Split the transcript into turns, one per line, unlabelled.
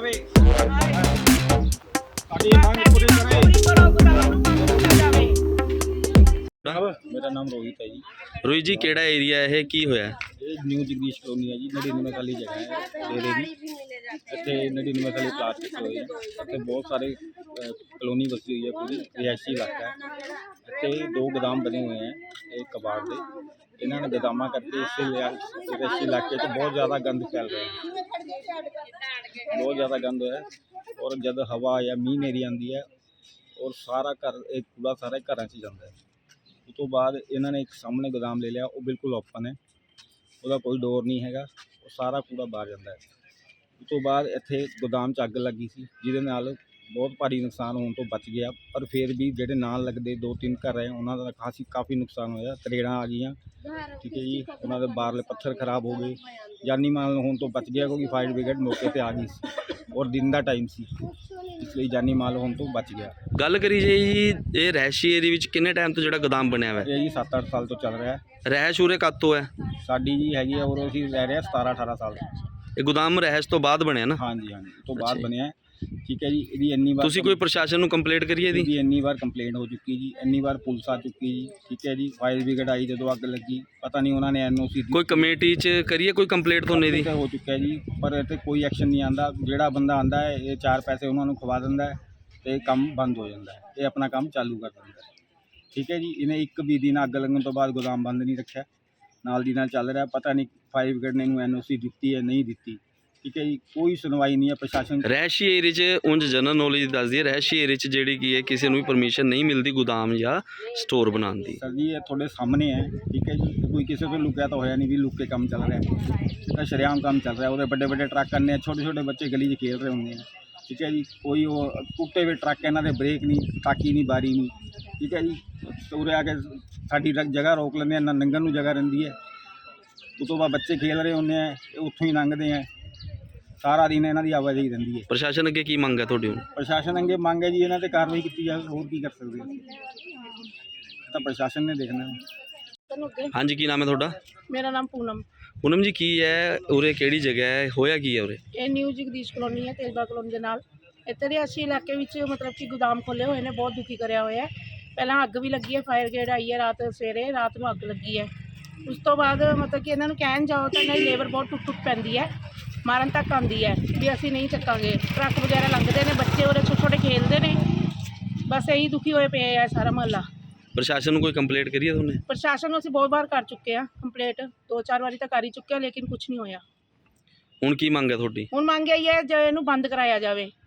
ਜਾਵੇ, ਸਾਡੀ ਮੰਗ ਪੂਰੀ ਕਰੇ। ਮੇਰਾ ਨਾਮ ਰੋਹਿਤ ਹੈ ਜੀ।
ਰੋਹਿਤ ਜੀ, ਕਿਹੜਾ ਏਰੀਆ ਇਹ, ਕੀ ਹੋਇਆ?
ਇਹ ਨਿਊ ਜਗਦੀਸ਼ ਕਲੋਨੀ ਹੈ ਜੀ, 99 ਵਾਲੀ ਜਗ੍ਹਾ ਹੈ ਡੇਰੇ ਦੀ। ਇੱਥੇ 99 ਵਾਲੀ ਪਲਾਟ ਕੀਤੀ ਹੋਈ ਹੈ। ਇੱਥੇ ਬਹੁਤ ਸਾਰੇ ਕਲੋਨੀ ਵਸੀ ਹੋਈ ਹੈ, ਪੂਰੀ ਰਿਹਾਇਸ਼ੀ ਇਲਾਕਾ ਹੈ। ਇੱਥੇ ਦੋ ਗੋਦਾਮ ਬਣੇ ਹੋਏ ਹੈ ਇਹ ਕਬਾੜ ਦੇ। ਇਹਨਾਂ ਨੇ ਗੋਦਾਮਾਂ ਕਰਕੇ ਇਸ ਰਿਹਾਇਸ਼ੀ ਇਲਾਕੇ 'ਚ ਬਹੁਤ ਜ਼ਿਆਦਾ ਗੰਦ ਫੈਲ ਰਿਹਾ ਹੈ, ਬਹੁਤ ਜ਼ਿਆਦਾ ਗੰਦ ਹੈ। ਔਰ ਜਦ ਹਵਾ ਜਾਂ ਮੀਂਹ ਹਨੇਰੀ ਆਉਂਦੀ ਹੈ ਔਰ ਸਾਰਾ ਘਰ ਇਹ ਕੂੜਾ ਸਾਰੇ ਘਰਾਂ 'ਚ ਜਾਂਦਾ ਹੈ। ਉਸ ਤੋਂ ਬਾਅਦ ਇਹਨਾਂ ਨੇ ਇੱਕ ਸਾਹਮਣੇ ਗੋਦਾਮ ਲੈ ਲਿਆ, ਉਹ ਬਿਲਕੁਲ ਓਪਨ ਹੈ, ਉਹਦਾ ਕੋਈ ਡੋਰ ਨਹੀਂ ਹੈਗਾ, ਉਹ ਸਾਰਾ ਕੂੜਾ ਬਾਹਰ ਜਾਂਦਾ ਹੈ। ਉਸ ਤੋਂ ਬਾਅਦ ਇੱਥੇ ਗੋਦਾਮ 'ਚ ਅੱਗ ਲੱਗੀ ਸੀ, ਜਿਹਦੇ ਨਾਲ ਬਹੁਤ ਭਾਰੀ ਨੁਕਸਾਨ ਹੋਣ ਤੋਂ ਬਚ ਗਿਆ। ਪਰ ਫਿਰ ਵੀ ਜਿਹੜੇ ਨਾਲ ਲੱਗਦੇ 2-3 ਘਰ ਹੈ ਉਹਨਾਂ ਦਾ ਕਾਫੀ ਨੁਕਸਾਨ ਹੋਇਆ, ਤਰੇੜਾਂ ਆ ਗਈਆਂ, ਠੀਕ ਹੈ ਜੀ। ਉਹਨਾਂ ਦੇ ਬਾਹਰਲੇ ਪੱਥਰ ਖਰਾਬ ਹੋ ਗਏ, ਜਾਨੀ ਮਾਲ ਹੋਣ ਤੋਂ ਬਚ ਗਿਆ ਕਿਉਂਕਿ ਫਾਇਰ ਬ੍ਰਿਗੇਡ ਮੌਕੇ ਤੇ ਆ ਗਈ ਸੀ ਔਰ ਦਿਨ ਦਾ ਟਾਈਮ ਸੀ, ਇਸ ਲਈ ਜਾਨੀ ਮਾਲ ਹੋਣ ਤੋਂ ਬਚ ਗਿਆ।
ਗੱਲ ਕਰੀ ਜੀ, ਇਹ ਰਹਿਸ਼ੀ ਏਰੀਆ ਵਿੱਚ ਕਿੰਨੇ ਟਾਈਮ ਤੋਂ ਜਿਹੜਾ ਗੋਦਾਮ ਬਣਿਆ ਹੋਇਆ?
ਇਹ ਜੀ 7-8 ਸਾਲ ਤੋਂ ਚੱਲ ਰਿਹਾ ਹੈ।
ਰਹਿਸ਼ ਉਰੇ ਕਦ ਤੋਂ ਹੈ?
ਸਾਡੀ ਜੀ ਹੈਗੀ ਆ ਔਰ ਅਸੀਂ ਰਹਿ ਰਹੇ ਹਾਂ 17-18 ਸਾਲ ਤੋਂ।
ਇਹ ਗੋਦਾਮ ਰਹਿਸ਼ ਤੋਂ ਬਾਅਦ ਬਣਿਆ ਨਾ?
ਹਾਂਜੀ, ਉਸ ਤੋਂ ਬਾਅਦ ਬਣਿਆ, ਠੀਕ ਹੈ ਜੀ। ਇਹਦੀ ਇੰਨੀ ਵਾਰ
ਤੁਸੀਂ ਕੋਈ ਪ੍ਰਸ਼ਾਸਨ ਨੂੰ ਕੰਪਲੇਂਟ ਕਰੀ ਇਹਦੀ?
ਇੰਨੀ ਵਾਰ ਕੰਪਲੇਂਟ ਹੋ ਚੁੱਕੀ ਜੀ, ਇੰਨੀ ਵਾਰ ਪੁਲਿਸ ਆ ਚੁੱਕੀ ਜੀ, ਠੀਕ ਹੈ ਜੀ। ਫਾਇਰ ਬ੍ਰਿਗੇਡ ਆਈ ਜਦੋਂ ਅੱਗ ਲੱਗੀ, ਪਤਾ ਨਹੀਂ ਉਹਨਾਂ ਨੇ NOC
ਕੋਈ ਕਮੇਟੀ 'ਚ ਕਰੀਏ ਕੋਈ ਕੰਪਲੇਂਟ ਤੁਹਾਨੂੰ ਇਹਦੀ?
ਹੋ ਚੁੱਕਿਆ ਜੀ, ਪਰ ਇੱਥੇ ਕੋਈ ਐਕਸ਼ਨ ਨਹੀਂ ਆਉਂਦਾ। ਜਿਹੜਾ ਬੰਦਾ ਆਉਂਦਾ ਹੈ ਇਹ 4 ਪੈਸੇ ਉਹਨਾਂ ਨੂੰ ਖਵਾ ਦਿੰਦਾ ਹੈ ਤੇ ਕੰਮ ਬੰਦ ਹੋ ਜਾਂਦਾ ਹੈ, ਇਹ ਆਪਣਾ ਕੰਮ ਚਾਲੂ ਕਰ ਦਿੰਦਾ ਹੈ, ਠੀਕ ਹੈ ਜੀ। ਇਹਨੇ ਇੱਕ ਵੀ ਦਿਨ ਅੱਗ ਲੱਗਣ ਤੋਂ ਬਾਅਦ ਗੋਦਾਮ ਬੰਦ ਨਹੀਂ ਰੱਖਿਆ, ਨਾਲ ਦੀ ਨਾਲ ਚੱਲ ਰਿਹਾ। ਪਤਾ ਨਹੀਂ ਫਾਇਰ ਬ੍ਰਿਗੇਡ ਨੇ ਇਹਨੂੰ NOC ਦਿੱਤੀ ਹੈ ਨਹੀਂ ਦਿੱਤੀ, ਠੀਕ ਹੈ ਜੀ। ਕੋਈ ਸੁਣਵਾਈ ਨਹੀਂ ਹੈ ਪ੍ਰਸ਼ਾਸਨ।
ਰਹਿਸ਼ੀ ਏਰੀਆ 'ਚ ਉਂਝ ਜਨਰਲ ਨੌਲੇਜ ਦੱਸਦੀ ਹੈ, ਰਹਿਸ਼ੀ ਏਰੀਆ 'ਚ ਜਿਹੜੀ ਕੀ ਹੈ ਕਿਸੇ ਨੂੰ ਵੀ ਪਰਮਿਸ਼ਨ ਨਹੀਂ ਮਿਲਦੀ ਗੋਦਾਮ ਜਾਂ ਸਟੋਰ ਬਣਾਉਣ ਦੀ।
ਸਰ ਜੀ ਇਹ ਤੁਹਾਡੇ ਸਾਹਮਣੇ ਹੈ, ਠੀਕ ਹੈ ਜੀ। ਕੋਈ ਕਿਸੇ ਤੋਂ ਲੁਕਿਆ ਤਾਂ ਹੋਇਆ ਨਹੀਂ ਵੀ ਲੁੱਕ ਕੇ ਕੰਮ ਚੱਲ ਰਿਹਾ, ਇਹ ਤਾਂ ਸ਼ਰੇਆਮ ਕੰਮ ਚੱਲ ਰਿਹਾ। ਉਹਦੇ ਵੱਡੇ ਟਰੱਕ ਆਉਂਦੇ ਆ, ਛੋਟੇ ਬੱਚੇ ਗਲੀ 'ਚ ਖੇਡ ਰਹੇ ਹੁੰਦੇ ਆ, ਠੀਕ ਹੈ ਜੀ। ਕੋਈ ਉਹ ਟੁੱਟੇ ਹੋਏ ਟਰੱਕ, ਇਹਨਾਂ ਦੇ ਬ੍ਰੇਕ ਨਹੀਂ, ਤਾਕੀ ਨਹੀਂ, ਬਾਰੀ ਨਹੀਂ, ਠੀਕ ਹੈ ਜੀ। ਉਰੇ ਆ ਕੇ ਸਾਡੀ ਜਗ੍ਹਾ ਰੋਕ ਲੈਂਦੇ ਆ, ਨਾ ਲੰਘਣ ਨੂੰ ਜਗ੍ਹਾ ਰਹਿੰਦੀ ਹੈ। ਉਸ ਤੋਂ ਬਾਅਦ ਬੱਚੇ ਖੇਡ ਰਹੇ ਹੁੰਦੇ ਆ, ਇਹ ਉੱਥੋਂ ਹੀ ਲੰਘਦੇ ਆ, ਸਾਰਾ ਦਿਨ ਇਹਨਾਂ ਦੀ ਆਵਾਜਾਈ ਰਹਿੰਦੀ ਹੈ।
ਪ੍ਰਸ਼ਾਸਨ ਅੱਗੇ ਕੀ ਮੰਗ ਹੈ ਤੁਹਾਡੀ ਹੁਣ?
ਪ੍ਰਸ਼ਾਸਨ ਅੱਗੇ ਮੰਗ ਹੈ ਜੀ ਇਹਨਾਂ ਤੇ ਕਾਰਵਾਈ ਕੀਤੀ ਜਾਵੇ, ਹੋਰ ਕੀ ਕਰ ਸਕਦੇ ਅਸੀਂ, ਤਾਂ ਪ੍ਰਸ਼ਾਸਨ ਨੇ ਦੇਖਣਾ ਹੈ।
ਹਾਂਜੀ, ਕੀ ਨਾਮ ਹੈ ਤੁਹਾਡਾ?
ਮੇਰਾ ਨਾਮ
ਪੂਨਮ ਜੀ, ਕੀ ਹੈ ਉਰੇ, ਕਿਹੜੀ ਜਗ੍ਹਾ ਹੈ, ਹੋਇਆ ਕੀ ਹੈ ਉਰੇ?
ਇਹ ਨਿਊ ਜਗਦੀਸ਼ ਕਲੋਨੀ ਹੈ, ਤੇਜਬਾ ਕਲੋਨੀ ਦੇ ਨਾਲ। ਇੱਥੇ ਦੇ ਅਸੀਂ ਇਲਾਕੇ ਵਿੱਚ ਮਤਲਬ ਕਿ ਗੋਦਾਮ ਖੋਲ੍ਹੇ ਹੋਏ ਨੇ, ਬਹੁਤ ਦੁਖੀ ਕਰਿਆ ਹੋਇਆ ਹੈ। ਪਹਿਲਾਂ ਅੱਗ ਵੀ ਲੱਗੀ ਹੈ, ਫਾਇਰ ਬ੍ਰਿਗੇਡ ਆਈ ਹੈ ਸਵੇਰੇ ਰਾਤ ਨੂੰ ਅੱਗ ਲੱਗੀ ਹੈ। ਉਸ ਤੋਂ ਬਾਅਦ ਮਤਲਬ ਕਿ ਇਹਨਾਂ ਨੂੰ ਕਹਿਣ ਜਾਓ ਤਾਂ ਇਹਨਾਂ ਦੀ ਲੇਬਰ ਬਹੁਤ ਟੁੱਟ ਪੈਂਦੀ ਹੈ, ਮਾਰਨ ਤੱਕ ਆਉਂਦੀ ਹੈ ਵੀ ਅਸੀਂ ਨਹੀਂ ਚੱਕਾਂਗੇ। ਟਰੱਕ ਵਗੈਰਾ ਲੰਘਦੇ ਨੇ, ਬੱਚੇ ਉਰੇ ਛੋਟੇ ਖੇਲਦੇ ਨੇ, ਬਸ ਇਹੀ ਦੁਖੀ ਹੋਏ ਪਏ ਆ ਸਾਰਾ ਮੁਹੱਲਾ।
ਪ੍ਰਸ਼ਾਸਨ ਨੂੰ ਕੋਈ ਕੰਪਲੇਂਟ ਕਰੀ ਹੈ ਤੁਹਾਨੇ?
ਪ੍ਰਸ਼ਾਸਨ ਨੂੰ ਅਸੀਂ ਬਹੁਤ ਵਾਰ ਕਰ ਚੁੱਕੇ ਹਾਂ ਕੰਪਲੇਂਟ, 2-4 ਵਾਰੀ ਤਾਂ ਕਰ ਹੀ ਚੁੱਕੇ ਹਾਂ, ਲੇਕਿਨ ਕੁਝ ਨਹੀਂ ਹੋਇਆ।
ਹੁਣ ਕੀ ਮੰਗ ਹੈ ਤੁਹਾਡੀ?
ਹੁਣ ਮੰਗ ਇਹੀ ਹੈ ਜੇ ਇਹਨੂੰ ਬੰਦ ਕਰਾਇਆ ਜਾਵੇ।